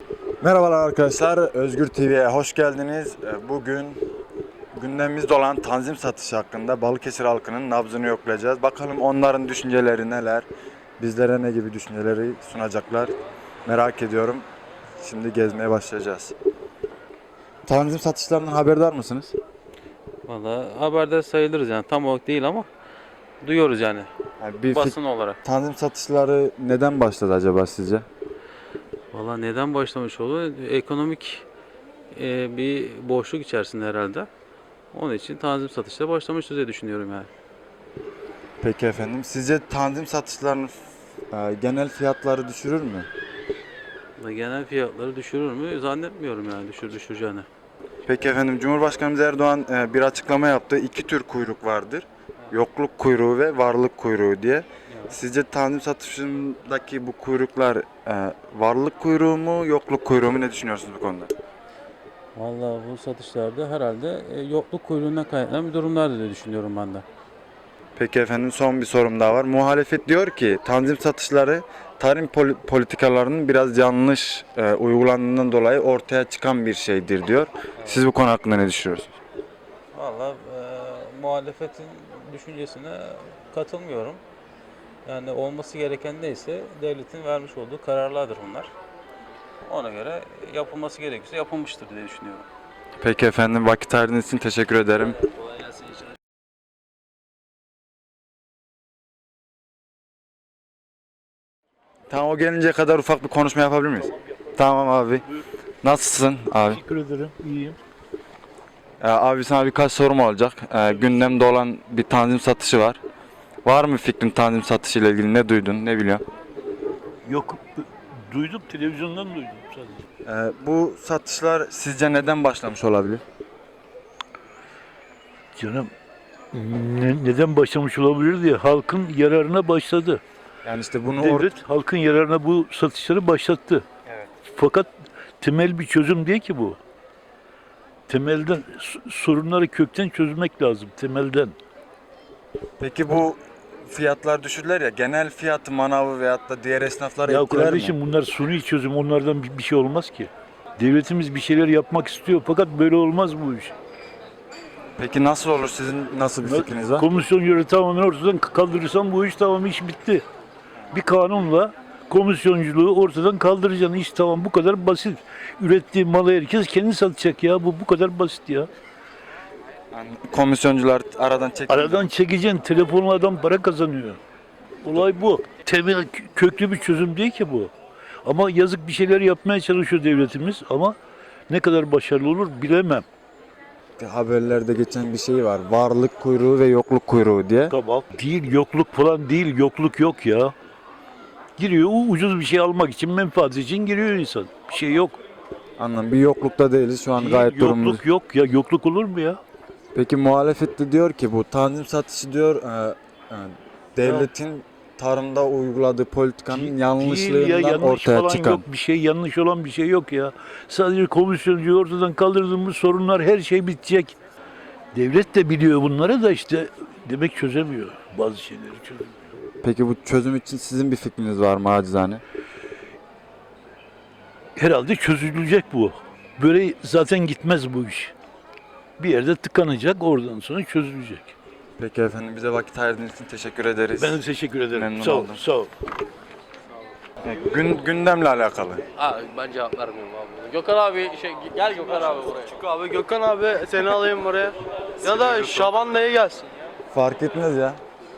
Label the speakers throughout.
Speaker 1: Merhabalar arkadaşlar, Özgür TV'ye hoş geldiniz. Bugün gündemimizde olan tanzim satışı hakkında Balıkesir halkının nabzını yoklayacağız. Bakalım onların düşünceleri neler, bizlere ne gibi düşünceleri sunacaklar merak ediyorum. Şimdi gezmeye başlayacağız. Tanzim satışlarından haberdar mısınız?
Speaker 2: Valla haberde sayılırız yani tam olarak değil ama duyuyoruz yani
Speaker 1: Yani
Speaker 2: basın olarak.
Speaker 1: tanzim satışları neden başladı acaba sizce?
Speaker 2: Valla neden başlamış oldu? Ekonomik bir boşluk içerisinde herhalde. Onun için tanzim satışları başlamıştır diye düşünüyorum yani.
Speaker 1: Peki efendim, sizce tanzim satışlarının genel fiyatları düşürür mü?
Speaker 2: Ve genel fiyatları düşürür mü? Zannetmiyorum yani düşüreceğini.
Speaker 1: Peki efendim, Cumhurbaşkanımız Erdoğan bir açıklama yaptı. İki tür kuyruk vardır. Yokluk kuyruğu ve varlık kuyruğu diye. Sizce tanzim satışındaki bu kuyruklar varlık kuyruğu mu, yokluk kuyruğu mu, ne düşünüyorsunuz bu konuda?
Speaker 2: Valla bu satışlarda herhalde yokluk kuyruğundan kaynaklanan bir durumlardır diye düşünüyorum ben de.
Speaker 1: Peki efendim, son bir sorum daha var. Muhalefet diyor ki tanzim satışları tarım politikalarının biraz yanlış uygulandığından dolayı ortaya çıkan bir şeydir diyor. Siz bu konu hakkında ne düşünüyorsunuz?
Speaker 2: Valla muhalefetin düşüncesine katılmıyorum. Yani olması gereken neyse devletin vermiş olduğu kararlardır bunlar. Ona göre yapılması gerekiyorsa yapılmıştır diye düşünüyorum.
Speaker 1: Peki efendim, vakit ayırdığınız için teşekkür ederim.
Speaker 2: Kolay gelsin inşallah.
Speaker 1: Tamam, o gelinceye kadar ufak bir konuşma yapabilir miyiz? Tamam abi. Nasılsın abi?
Speaker 3: Teşekkür ederim. İyiyim.
Speaker 1: Abi sana birkaç sorum olacak. Gündemde olan bir tanzim satışı var. Var mı fikrin tanzim satışı ile ilgili, ne duydun, ne biliyorsun?
Speaker 3: Yok, duydum. Televizyondan duydum sadece.
Speaker 1: Bu satışlar sizce neden başlamış olabilir?
Speaker 3: Canım, neden başlamış olabilir diye halkın yararına başladı.
Speaker 1: Yani işte bunu
Speaker 3: Devlet halkın yararına bu satışları başlattı.
Speaker 1: Evet.
Speaker 3: Fakat temel bir çözüm değil ki bu. Temelden sorunları kökten çözmek lazım. Temelden.
Speaker 1: Peki bu fiyatlar düşürler ya, genel fiyatı manavı veyahut da diğer esnafları
Speaker 3: Ya
Speaker 1: etkiler
Speaker 3: kardeşim,
Speaker 1: mi?
Speaker 3: bunlar suni çözüm. Onlardan bir şey olmaz ki. Devletimiz bir şeyler yapmak istiyor fakat böyle olmaz bu iş.
Speaker 1: Peki nasıl olur, sizin nasıl bir fikriniz var?
Speaker 3: Komisyoncuları tamamen ortadan kaldırırsan bu iş tamam, iş bitti. Bir kanunla komisyonculuğu ortadan kaldıracaksın. İş tamam, bu kadar basit. Ürettiği malı herkes kendi satacak ya. Bu kadar basit ya.
Speaker 1: Yani komisyoncular aradan çekilir.
Speaker 3: Aradan çekeceksin. Telefonla adam para kazanıyor. Olay bu. Temel köklü bir çözüm değil ki bu. Ama yazık, bir şeyler yapmaya çalışıyor devletimiz ama ne kadar başarılı olur bilemem.
Speaker 1: Haberlerde geçen bir şey var. Varlık kuyruğu ve yokluk kuyruğu diye.
Speaker 3: Tamam. Değil, yokluk falan değil. Yokluk yok ya. Giriyor, ucuz bir şey almak için, menfaat için giriyor insan. Bir şey yok.
Speaker 1: Anladım. Bir yoklukta değiliz. Şu an
Speaker 3: Değil,
Speaker 1: gayet durumumuz.
Speaker 3: yokluk yok ya. Yokluk olur mu ya?
Speaker 1: Peki muhalefet de diyor ki bu tanzim satışı diyor devletin tarımda uyguladığı politikanın
Speaker 3: Değil ya,
Speaker 1: yanlışlığından
Speaker 3: yanlış
Speaker 1: ortaya
Speaker 3: falan
Speaker 1: çıkan.
Speaker 3: yok. Bir şey yanlış olan bir şey yok ya. Sadece komisyoncuyu ortadan kaldırdığımız sorunlar, her şey bitecek. Devlet de biliyor bunları da işte demek çözemiyor. Bazı şeyleri çözemiyor.
Speaker 1: Peki bu çözüm için sizin bir fikriniz var mı acizane?
Speaker 3: Herhalde çözülecek bu. Böyle zaten gitmez bu iş. Bir yerde tıkanacak, oradan sonra çözülecek.
Speaker 1: Peki efendim, bize vakit ayırdığınız için teşekkür ederiz.
Speaker 3: Ben de teşekkür ederim.
Speaker 1: Memnun
Speaker 3: Sağ ol,
Speaker 1: oldum.
Speaker 3: sağ ol.
Speaker 1: Gündemle alakalı.
Speaker 4: Abi ben cevap vermiyorum abi. Gökhan abi gel Gökhan abi buraya. Çık abi Gökhan abi seni alayım buraya. Ya da Şaban dayı gelsin.
Speaker 1: Fark etmez ya.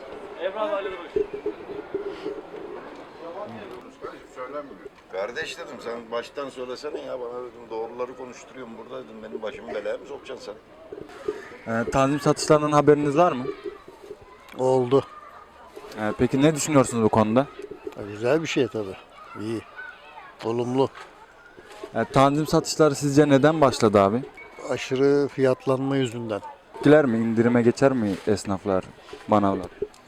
Speaker 5: Kardeş dedim, sen baştan söylesene ya, bana dedim, doğruları konuşturuyorum burada dedim, benim başımı belaya mı sokacaksın sen?
Speaker 1: Tanzim satışlarından haberiniz var mı?
Speaker 6: Oldu.
Speaker 1: Peki ne düşünüyorsunuz bu konuda?
Speaker 6: Güzel bir şey tabii. İyi. Olumlu.
Speaker 1: Tanzim satışları sizce neden başladı abi?
Speaker 6: Aşırı fiyatlanma yüzünden.
Speaker 1: Etkiler mi? İndirime geçer mi esnaflar, manavlar?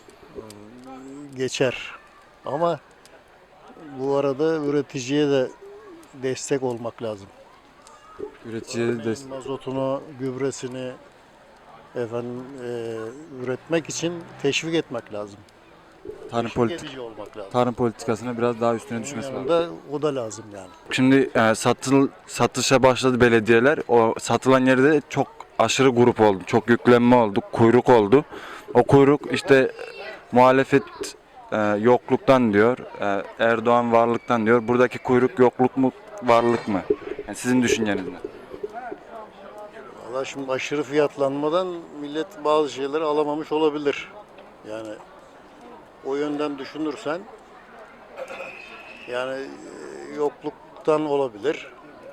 Speaker 6: Geçer. Ama bu arada üreticiye de destek olmak lazım.
Speaker 1: Üreticiye de
Speaker 6: Mazotunu, gübresini efendim üretmek için teşvik etmek lazım. Teşvik edici olmak lazım.
Speaker 1: tarım politikasına biraz daha üstüne
Speaker 6: Bunun
Speaker 1: düşmesi lazım.
Speaker 6: yanında o da lazım yani.
Speaker 1: Şimdi satışa başladı belediyeler. O satılan yerde çok aşırı grup oldu. Çok yüklenme oldu. Kuyruk oldu. O kuyruk işte muhalefet yokluktan diyor. Erdoğan varlıktan diyor. Buradaki kuyruk yokluk mu varlık mı? Yani sizin düşünceniz ne?
Speaker 6: Valla şimdi aşırı fiyatlanmadan millet bazı şeyleri alamamış olabilir. Yani o yönden düşünürsen yani yokluktan olabilir.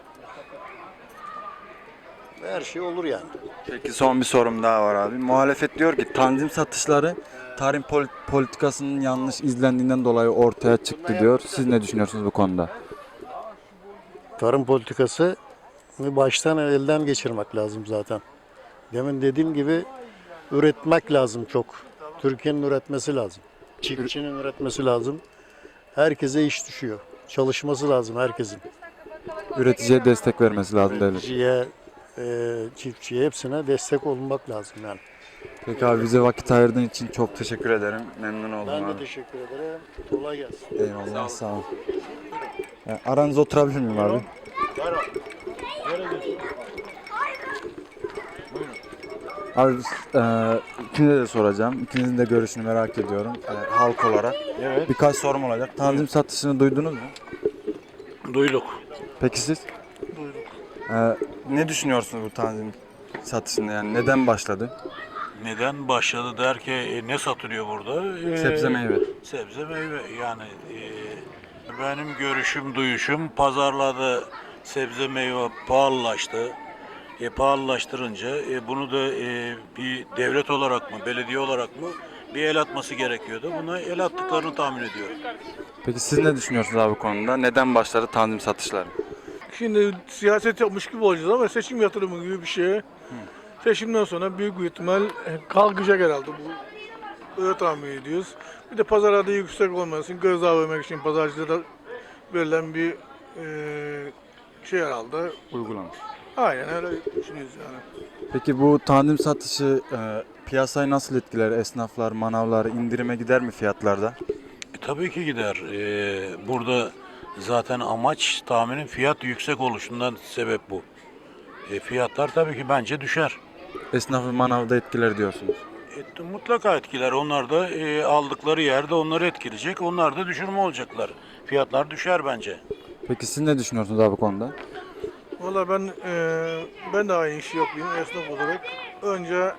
Speaker 6: Her şey olur yani.
Speaker 1: Peki son bir sorum daha var abi. Muhalefet diyor ki tanzim satışları tarım politikasının yanlış izlendiğinden dolayı ortaya çıktı diyor. Siz ne düşünüyorsunuz bu konuda?
Speaker 6: Tarım politikası baştan elden geçirmek lazım zaten. Demin dediğim gibi üretmek lazım çok. Türkiye'nin üretmesi lazım. Çiftçinin üretmesi lazım. Herkese iş düşüyor. Çalışması lazım herkesin.
Speaker 1: Üreticiye destek vermesi lazım devlet.
Speaker 6: Üreticiye, çiftçiye hepsine destek olmak lazım yani.
Speaker 1: Peki abi bize vakit ayırdığın için çok teşekkür ederim. Memnun oldum
Speaker 6: Ben de
Speaker 1: abi.
Speaker 6: teşekkür ederim. Kolay gelsin.
Speaker 1: Eyvallah sağ ol. Aranızda oturabilir miyim abi? Abi ikinize de soracağım. İkinizin de görüşünü merak ediyorum. Halk olarak.
Speaker 3: Evet.
Speaker 1: Birkaç sorum olacak. Tanzim satışını duydunuz mu?
Speaker 3: Duyduk.
Speaker 1: Peki siz? Ne düşünüyorsunuz bu tanzim satışında yani neden başladı?
Speaker 7: Neden başladı der ki ne satılıyor burada?
Speaker 1: Sebze meyve.
Speaker 7: Sebze meyve yani benim görüşüm duyuşum pazarlarda sebze meyve pahalılaştı. Pahalılaştırınca bunu da bir devlet olarak mı belediye olarak mı bir el atması gerekiyordu. Buna el attıklarını tahmin ediyorum.
Speaker 1: Peki siz ne düşünüyorsunuz abi bu konuda? Neden başladı tanzim satışları?
Speaker 8: Şimdi siyaset yapmış gibi olacağız ama seçim yatırımı gibi bir şey. Seçimden sonra büyük bir ihtimal kalkacak herhalde bu. Öyle tahmin ediyoruz. Bir de pazarda yüksek olmasın, gözdağı vermek için pazarcılara verilen bir şey herhalde.
Speaker 1: Uygulama.
Speaker 8: Aynen öyle düşünüyoruz yani.
Speaker 1: Peki bu tanzim satışı piyasayı nasıl etkiler? Esnaflar, manavlar indirime gider mi fiyatlarda?
Speaker 7: Tabii ki gider. Burada zaten amaç tahminin fiyat yüksek oluşundan sebep bu. Fiyatlar tabii ki bence düşer.
Speaker 1: Esnafı manavda etkiler diyorsunuz.
Speaker 7: Mutlaka etkiler. Onlar da aldıkları yerde onları etkileyecek. Onlar da düşürme olacaklar. Fiyatlar düşer bence.
Speaker 1: Peki siz ne düşünüyorsunuz abi bu konuda?
Speaker 8: Valla ben de aynı işi yapayım esnaf olarak. Önce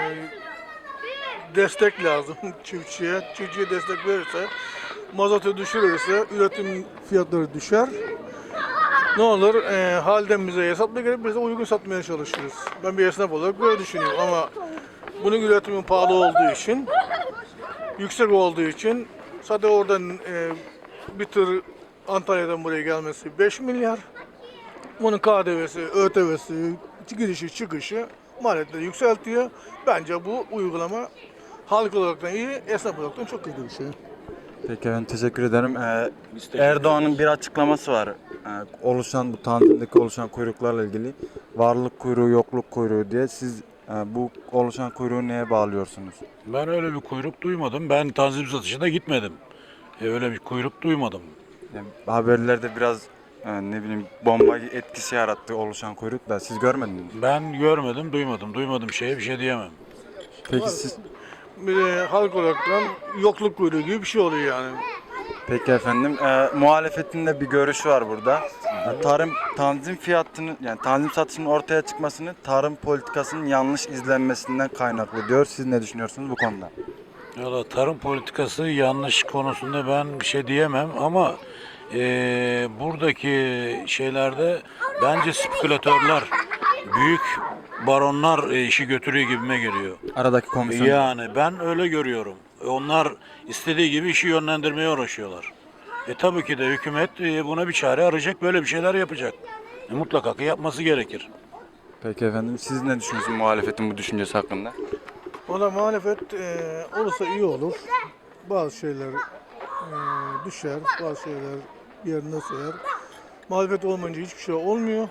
Speaker 8: destek lazım çiftçiye. Çiftçiye destek verirse, mazotu düşürürse üretim fiyatları düşer. Ne olur halden bize satmaya gerek biz de uygun satmaya çalışırız. Ben bir esnaf olarak böyle düşünüyorum ama bunun üretimi pahalı olduğu için, yüksek olduğu için zaten oradan bir tır Antalya'dan buraya gelmesi 5 milyar. Bunun KDV'si, ÖTV'si, girişi çıkışı maliyetleri yükseltiyor. Bence bu uygulama halk olaraktan iyi, esnaf olaraktan çok kötü bir şey.
Speaker 1: Peki ben teşekkür ederim. Erdoğan'ın bir açıklaması var. Bu tanzimdeki oluşan kuyruklarla ilgili. Varlık kuyruğu, yokluk kuyruğu diye. Siz bu oluşan kuyruğu neye bağlıyorsunuz?
Speaker 7: Ben öyle bir kuyruk duymadım. Ben tanzim satışına gitmedim. Öyle bir kuyruk duymadım.
Speaker 1: Yani haberlerde biraz ne bileyim bomba etkisi yarattı oluşan kuyruk da siz görmediniz mi?
Speaker 7: Ben görmedim, duymadım. Duymadığım şeye bir şey diyemem.
Speaker 1: Peki siz
Speaker 8: Bir de halk olaraktan yokluk kuyruğu gibi bir şey oluyor yani.
Speaker 1: Peki efendim. Muhalefetin de bir görüşü var burada. Tanzim fiyatının yani tanzim satışının ortaya çıkmasını tarım politikasının yanlış izlenmesinden kaynaklı diyor. Siz ne düşünüyorsunuz bu konuda?
Speaker 7: Valla tarım politikası yanlış konusunda ben bir şey diyemem ama buradaki şeylerde bence spekülatörler, büyük baronlar işi götürüyor gibime geliyor.
Speaker 1: Aradaki komisyon.
Speaker 7: Yani ben öyle görüyorum. Onlar istediği gibi işi yönlendirmeye uğraşıyorlar. Tabii ki de hükümet buna bir çare arayacak, böyle bir şeyler yapacak. Mutlaka ki yapması gerekir.
Speaker 1: Peki efendim siz ne düşünüyorsunuz muhalefetin bu düşüncesi hakkında?
Speaker 8: Valla muhalefet olursa iyi olur. Bazı şeyler düşer, bazı şeyler yerine sayar. Muhalefet olmayınca hiçbir şey olmuyor.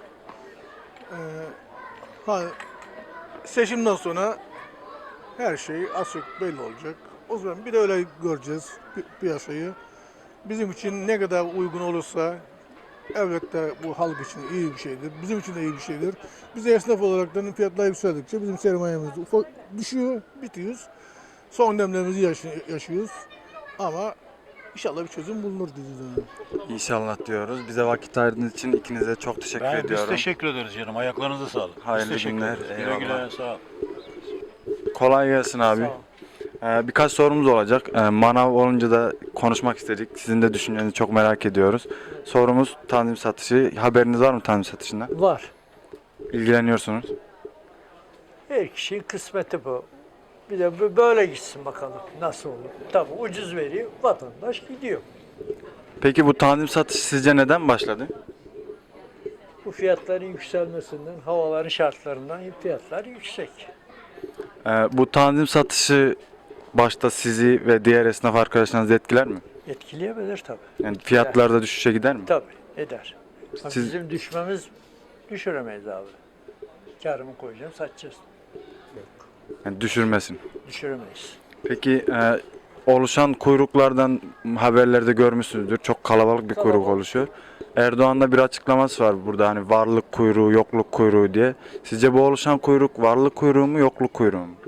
Speaker 8: Seçimden sonra her şey az çok belli olacak. O zaman bir de öyle göreceğiz piyasayı. Bizim için ne kadar uygun olursa elbette bu halk için iyi bir şeydir. Bizim için de iyi bir şeydir. Biz de esnaf olarak da fiyatlar yükseldikçe bizim sermayemiz ufak düşüyor, bitiyoruz. Son demlerimizi yaşıyoruz. Ama inşallah bir çözüm bulunur diyeceğiz.
Speaker 1: İnşallah diyoruz. Bize vakit ayırdığınız için ikinize çok teşekkür
Speaker 7: Biz
Speaker 1: ediyorum.
Speaker 7: teşekkür ederiz canım. Ayaklarınıza sağlık. Biz
Speaker 1: Hayırlı
Speaker 7: teşekkür
Speaker 1: günler,
Speaker 7: ederiz. Güle
Speaker 1: eyvallah.
Speaker 7: güle sağ ol.
Speaker 1: Kolay gelsin abi. Birkaç sorumuz olacak. Manav olunca da konuşmak istedik. Sizin de düşüncenizi çok merak ediyoruz. Sorumuz tanzim satışı. Haberiniz var mı tanzim satışından?
Speaker 9: Var.
Speaker 1: İlgileniyorsunuz.
Speaker 9: Her kişinin kısmeti bu. Bir de böyle gitsin bakalım nasıl olur. Tabii ucuz veriyor, vatandaş gidiyor.
Speaker 1: Peki bu tanzim satışı sizce neden başladı?
Speaker 9: Bu fiyatların yükselmesinden, havaların şartlarından fiyatlar yüksek.
Speaker 1: Bu tanzim satışı başta sizi ve diğer esnaf arkadaşlarınızı etkiler mi?
Speaker 9: Etkileyebilir tabii.
Speaker 1: Yani fiyatlarda düşüşe gider mi?
Speaker 9: Tabii eder. Ama
Speaker 1: Siz-
Speaker 9: bizim düşmemiz düşüremeyiz abi. Karımı koyacağım, satacağız.
Speaker 1: Yani düşürmesin.
Speaker 9: Düşüremeyiz.
Speaker 1: Peki oluşan kuyruklardan haberlerde görmüşsünüzdür. Çok kalabalık bir kuyruk
Speaker 9: Kalabalık.
Speaker 1: oluşuyor. Erdoğan'ın da bir açıklaması var burada hani varlık kuyruğu, yokluk kuyruğu diye. Sizce bu oluşan kuyruk varlık kuyruğu mu, yokluk kuyruğu mu?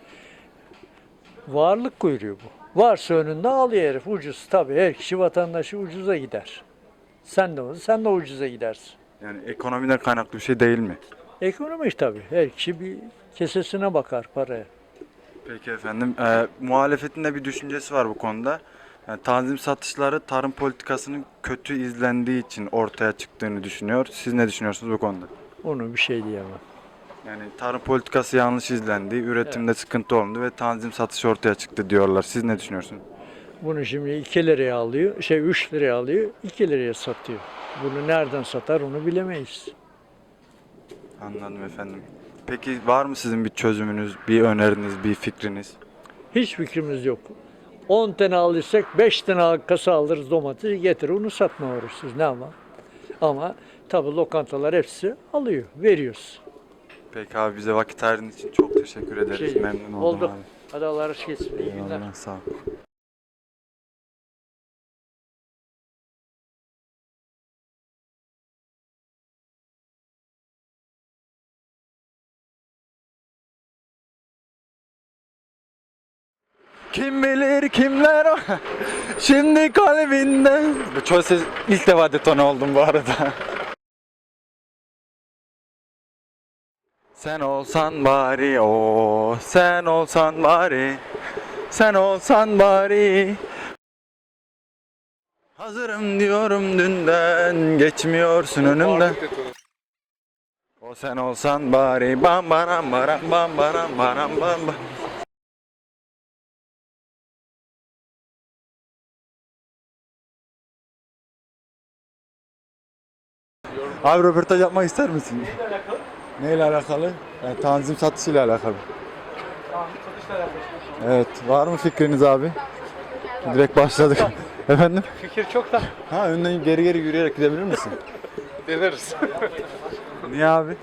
Speaker 9: Varlık kuyruğu bu. Varsa önünde alıyor herif ucuz. Tabii her kişi vatandaşı ucuza gider. Sen de ucuza gidersin.
Speaker 1: Yani ekonomiden kaynaklı bir şey değil mi?
Speaker 9: Ekonomik tabii. Her kişi bir kesesine bakar paraya.
Speaker 1: Peki efendim. Muhalefetin de bir düşüncesi var bu konuda. Yani tanzim satışları tarım politikasının kötü izlendiği için ortaya çıktığını düşünüyor. Siz ne düşünüyorsunuz bu konuda?
Speaker 9: Onu bir şey diyemem.
Speaker 1: Yani tarım politikası yanlış izlendi, üretimde sıkıntı oldu ve tanzim satışı ortaya çıktı diyorlar. Siz ne düşünüyorsunuz?
Speaker 9: Bunu şimdi 2 liraya alıyor, 3 liraya alıyor, 2 liraya satıyor. Bunu nereden satar onu bilemeyiz.
Speaker 1: Anladım efendim. Peki var mı sizin bir çözümünüz, bir öneriniz, bir fikriniz?
Speaker 9: Hiç fikrimiz yok. 10 tane alırsak 5 tane kasa alırız domatesi getirir onu satma uğraşırız ne ama. Ama tabii lokantalar hepsi alıyor, veriyoruz.
Speaker 1: Peki abi bize vakit ayırdığınız için çok teşekkür ederiz. Memnun oldum
Speaker 9: Oldu.
Speaker 1: abi.
Speaker 9: Hadi Allah razı olsun. İyi günler.
Speaker 1: Eyvallah, sağ ol. Kim bilir kimler o şimdi kalbinde. Bu çok ses ilk defa detone oldum bu arada. Sen olsan bari o, sen olsan bari, sen olsan bari. Hazırım diyorum dünden, geçmiyorsun önümden. O sen olsan bari, bam baram baram bam baram baram bam bam. Abi röportaj yapmak ister misin? Neyle alakalı? Yani tanzim satışıyla alakalı. Evet, var mı fikriniz abi? Direkt başladık. Efendim?
Speaker 10: Fikir çok da
Speaker 1: Ha, önden geri geri yürüyerek gidebilir misin?
Speaker 10: deneriz.
Speaker 1: Niye abi?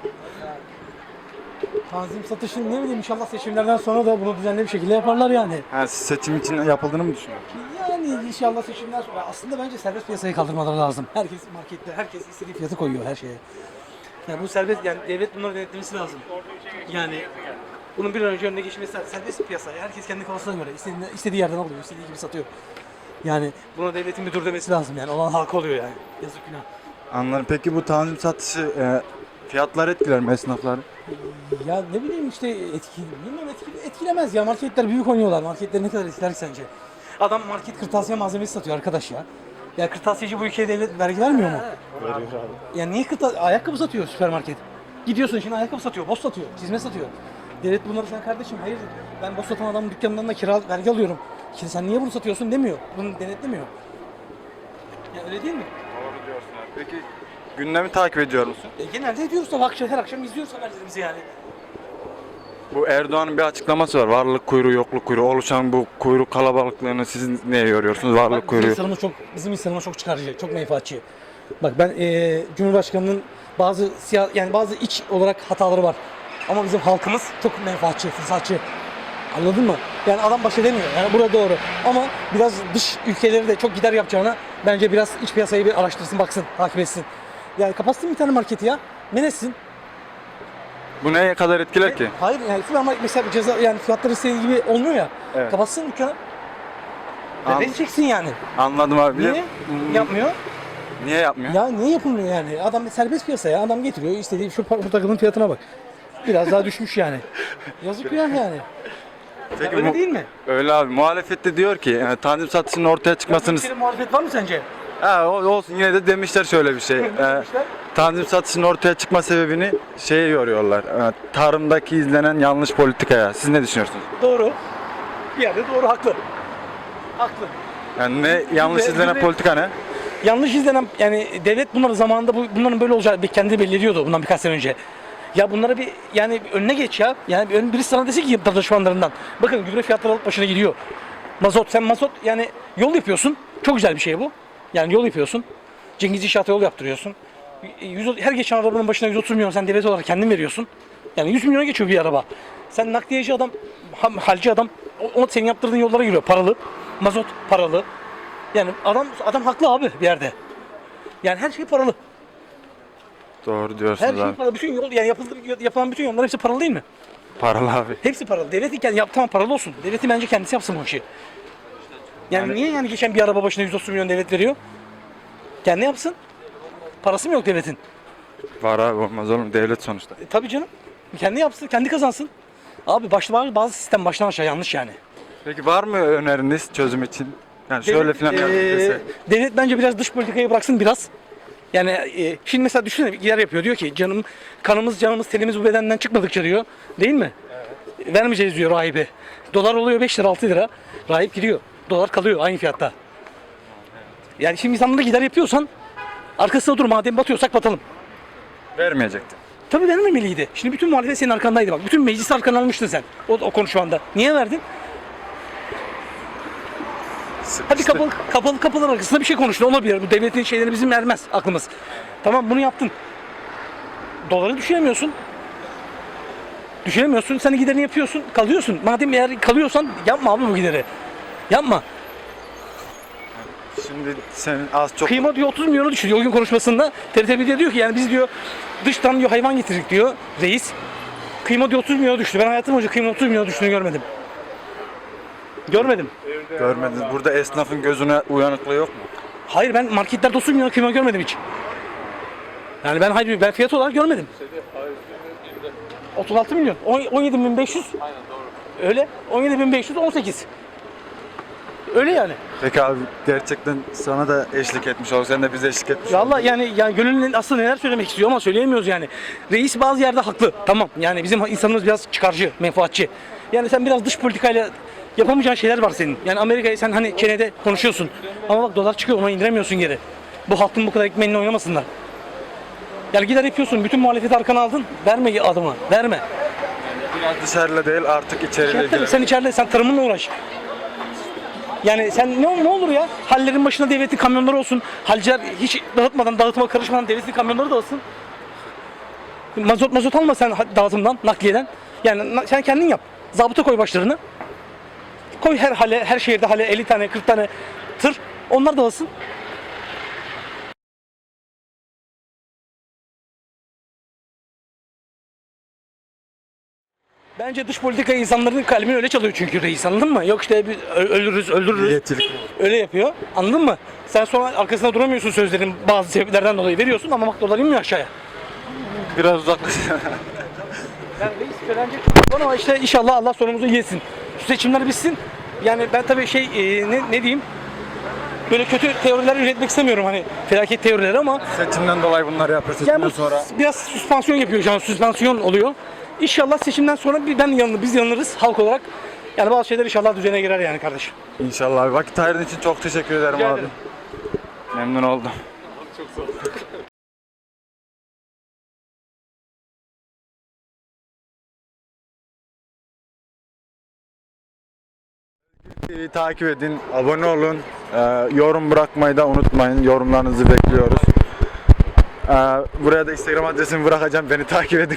Speaker 10: Tanzim satışını ne bileyim inşallah seçimlerden sonra da bunu düzenli bir şekilde yaparlar yani.
Speaker 1: Ha, siz seçim için yapıldığını mı düşünüyorsunuz?
Speaker 10: Yani inşallah seçimden sonra aslında bence serbest piyasayı kaldırmaları lazım. Herkes markette, herkes istediği fiyatı koyuyor her şeye. Yani bu serbest, yani devlet bunları denetlemesi lazım. Yani bunun bir an önce önüne geçmesi lazım. Serbest piyasa, herkes kendi kafasına göre istediği yerden alıyor, istediği gibi satıyor. Yani buna devletin bir dur demesi lazım yani. Olan halka oluyor yani. Yazık günah.
Speaker 1: Anladım. Peki bu tanzim satışı fiyatlar etkiler mi esnafları?
Speaker 10: Ya ne bileyim işte bilmiyorum etkilemez ya. Marketler büyük oynuyorlar. Marketler ne kadar etkiler ki sence? Adam market kırtasiye malzemesi satıyor arkadaş ya. Ya kırtasiyeci bu ülkeye devlet vergi vermiyor mu? Veriyor abi. Ya niye ayakkabı satıyor süpermarket? Gidiyorsun şimdi ayakkabı satıyor, boz satıyor, çizme satıyor. Devlet bunları sen kardeşim hayır ben boz satan adamın dükkanından da kira vergi alıyorum. Şimdi sen niye bunu satıyorsun demiyor. Bunu denetlemiyor. Ya öyle değil mi?
Speaker 1: Doğru diyorsun abi. Peki gündemi takip ediyor musun?
Speaker 10: Genelde ediyoruz tabii her akşam izliyoruz haberlerimizi yani.
Speaker 1: Bu Erdoğan'ın bir açıklaması var. Varlık kuyruğu, yokluk kuyruğu. Oluşan bu kuyruk kalabalıklığını siz neye yoruyorsunuz? Varlık kuyruğu.
Speaker 10: Bizim insanımız çok çıkarcı, çok menfaatçi. Bak ben Cumhurbaşkanı'nın bazı iç olarak hataları var. Ama bizim halkımız çok menfaatçi, fırsatçı. Anladın mı? Yani adam baş edemiyor. Yani burada doğru. Ama biraz dış ülkeleri de çok gider yapacağına bence biraz iç piyasayı bir araştırsın, baksın, takip etsin. Yani kapatsın bir tane marketi ya. Men etsin.
Speaker 1: Bu neye kadar etkiler ki?
Speaker 10: Hayır yani süpermarket mesela ceza yani fiyatları istediği gibi olmuyor ya.
Speaker 1: Evet.
Speaker 10: Kapatsın dükkanı.
Speaker 1: An-
Speaker 10: Vereceksin yani.
Speaker 1: Anladım abi.
Speaker 10: Niye? Yapmıyor.
Speaker 1: Niye yapmıyor?
Speaker 10: Ya niye yapılmıyor yani? Adam serbest piyasa ya. Adam getiriyor istediği şu takımın fiyatına bak. Biraz daha düşmüş yani. Yazık ya yani.
Speaker 1: Peki
Speaker 10: Öyle değil mi?
Speaker 1: Öyle abi. Muhalefet de diyor ki tanzim satışının ortaya çıkmasını...
Speaker 10: Bir muhalefet var mı sence?
Speaker 1: Ha, olsun yine de demişler şöyle bir şey. Tanzim satışının ortaya çıkma sebebini şeye yoruyorlar. Tarımdaki izlenen yanlış politikaya. Siz ne düşünüyorsunuz?
Speaker 10: Doğru. Bir yerde doğru, haklı. Haklı.
Speaker 1: Yani ne yanlış izlenen
Speaker 10: de-
Speaker 1: politika ne?
Speaker 10: Yanlış izlenen yani devlet bunları zamanında bunların böyle olacağı kendi belli ediyordu bundan birkaç sene önce. Ya bunlara bir yani önüne geç ya. Yani birisi sana desin ki danışmanlarından. Bakın gübre fiyatları alıp başına gidiyor. Sen mazot yani yol yapıyorsun. Çok güzel bir şey bu. Yani yol yapıyorsun. Cengiz İnşaat'a yol yaptırıyorsun. Her geçen arabanın başına 130 milyon sen devlet olarak kendin veriyorsun. Yani 100 milyona geçiyor bir araba. Sen nakliyeci adam, halci adam o senin yaptırdığın yollara giriyor. Paralı. Mazot paralı. Yani adam haklı abi bir yerde. Yani her şey paralı.
Speaker 1: Doğru
Speaker 10: Her
Speaker 1: diyorsunuz
Speaker 10: şey
Speaker 1: abi.
Speaker 10: paralı. Bütün yol yani yapılan bütün yollar hepsi paralı değil mi?
Speaker 1: Paralı abi.
Speaker 10: Hepsi paralı. Devlet tamam paralı olsun. Devleti bence kendisi yapsın bu işi. Yani niye yani geçen bir araba başına 130 milyon devlet veriyor? Kendi yapsın. Parası mı yok devletin?
Speaker 1: Var abi, olmaz oğlum, devlet sonuçta.
Speaker 10: Tabii canım. Kendi yapsın, kendi kazansın. Abi bazı sistem baştan aşağı yanlış yani.
Speaker 1: Peki var mı öneriniz çözüm için? Yani şöyle falan dese.
Speaker 10: Devlet bence biraz dış politikayı bıraksın biraz. Yani şimdi mesela düşünsene bir yer yapıyor diyor ki kanımız canımız tenimiz bu bedenden çıkmadıkça diyor. Değil mi? Evet. Vermeyeceğiz diyor rahibe. Dolar oluyor 5 lira 6 lira. Rahip gidiyor. Dolar kalıyor aynı fiyatta. Yani şimdi insanlara gider yapıyorsan arkasına dur, madem batıyorsak batalım.
Speaker 1: Vermeyecekti.
Speaker 10: Tabii vermemeliydi. Şimdi bütün muhalefet senin arkandaydı bak. Bütün meclisi arkana almıştın sen. O konuşmanda. Niye verdin? Hadi kapılar arkasında bir şey konuştun. Olabilir. Bu devletin şeyleri bizim ermez aklımız. Tamam bunu yaptın. Doları düşüremiyorsun. Düşüremiyorsun. Sen giderini yapıyorsun. Kalıyorsun. Madem eğer kalıyorsan yapma abi bu gideri. Yapma.
Speaker 1: Şimdi senin az çok...
Speaker 10: Kıyma diyor 30 milyonu düşürüyor o gün konuşmasında. TRT1'de diyor ki yani biz diyor dıştan diyor hayvan getirdik diyor reis. Kıyma diyor 30 milyona düştü. Ben hayatım boyunca kıyma 30 milyona düştüğünü görmedim. Görmedim.
Speaker 1: Görmediniz. Burada esnafın gözüne uyanıklığı yok mu?
Speaker 10: Hayır ben marketlerde 30 milyon kıyma görmedim hiç. Yani ben fiyat olarak görmedim. 36 milyon. 17.500. Aynen doğru. Öyle. 17.500 18. Öyle yani.
Speaker 1: Peki abi, gerçekten sana da eşlik etmiş olduk. Sen de bize eşlik etmiş oldun.
Speaker 10: Valla yani gönlünün aslında neler söylemek istiyor ama söyleyemiyoruz yani. Reis bazı yerde haklı. Tamam. Yani bizim insanımız biraz çıkarcı, menfaatçi. Yani sen biraz dış politikayla yapamayacağın şeyler var senin. Yani Amerika'yı sen hani çenede konuşuyorsun. Ama bak dolar çıkıyor, ona indiremiyorsun geri. Bu halkın bu kadar ekmeğini oynamasınlar. Yani gider yapıyorsun, bütün muhalefeti arkana aldın. Verme adımı, verme.
Speaker 1: Biraz dışarıyla değil, artık içeriyle ilgilen.
Speaker 10: Sen içeride, sen tarımınla uğraş. Yani sen ne olur ya, hallerin başına devletin kamyonları olsun. Halciler hiç dağıtıma karışmadan devletin kamyonları da olsun. Mazot alma sen dağıtımdan, nakliyeden. Yani sen kendin yap. Zabıta koy başlarını. Koy her şehirde 50 tane 40 tane tır. Onlar da alsın. Bence dış politika insanların kalbini öyle çalıyor çünkü reis, anladın mı? Yok işte öldürürüz.
Speaker 1: Milliyetçilik.
Speaker 10: Öyle yapıyor. Anladın mı? Sen sonra arkasında duramıyorsun, sözlerin bazı sebeplerden dolayı veriyorsun ama bak dolar inmiyor aşağıya.
Speaker 1: Biraz uzaklaşın.
Speaker 10: Yani reis söylenecek çok var ama işte inşallah Allah sonumuzu yesin. Şu seçimler bitsin. Yani ben tabii ne diyeyim? Böyle kötü teoriler üretmek istemiyorum hani felaket teorileri ama
Speaker 1: Seçimden dolayı bunları yapıyor. Seçimden
Speaker 10: yani
Speaker 1: sonra.
Speaker 10: biraz süspansiyon yapıyor şu an, süspansiyon oluyor. İnşallah seçimden sonra biz yanılırız halk olarak. Yani bazı şeyler inşallah düzene girer yani kardeşim.
Speaker 1: İnşallah abi. Vakit ayırdığın için çok teşekkür ederim
Speaker 10: Rica
Speaker 1: abi.
Speaker 10: ederim.
Speaker 1: Memnun oldum. TV'yi takip edin, abone olun, yorum bırakmayı da unutmayın. Yorumlarınızı bekliyoruz. Buraya da Instagram adresimi bırakacağım. Beni takip edin.